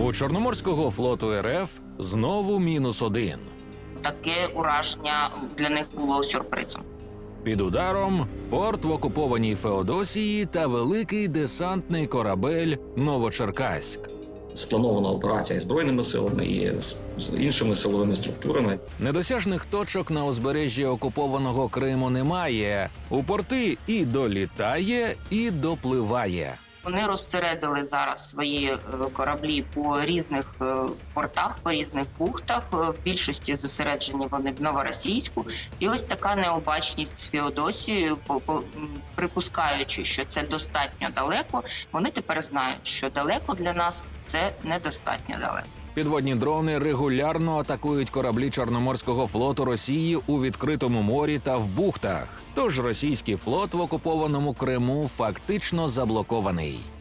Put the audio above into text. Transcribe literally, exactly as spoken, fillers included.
У Чорноморського флоту РФ знову мінус один. Таке ураження для них було сюрпризом. Під ударом порт в окупованій Феодосії та великий десантний корабель «Новочеркаськ». Спланована операція і Збройними силами, і з іншими силовими структурами. Недосяжних точок на узбережжі окупованого Криму немає. У порти і долітає, і допливає. Вони розсередили зараз свої е, кораблі по різних е, портах, по різних бухтах. Е, В більшості зосереджені вони в Новоросійську. І ось така необачність з Феодосією, по- по- м, припускаючи, що це достатньо далеко, вони тепер знають, що далеко для нас це недостатньо далеко. Підводні дрони регулярно атакують кораблі Чорноморського флоту Росії у відкритому морі та в бухтах. Тож російський флот в окупованому Криму фактично заблокований.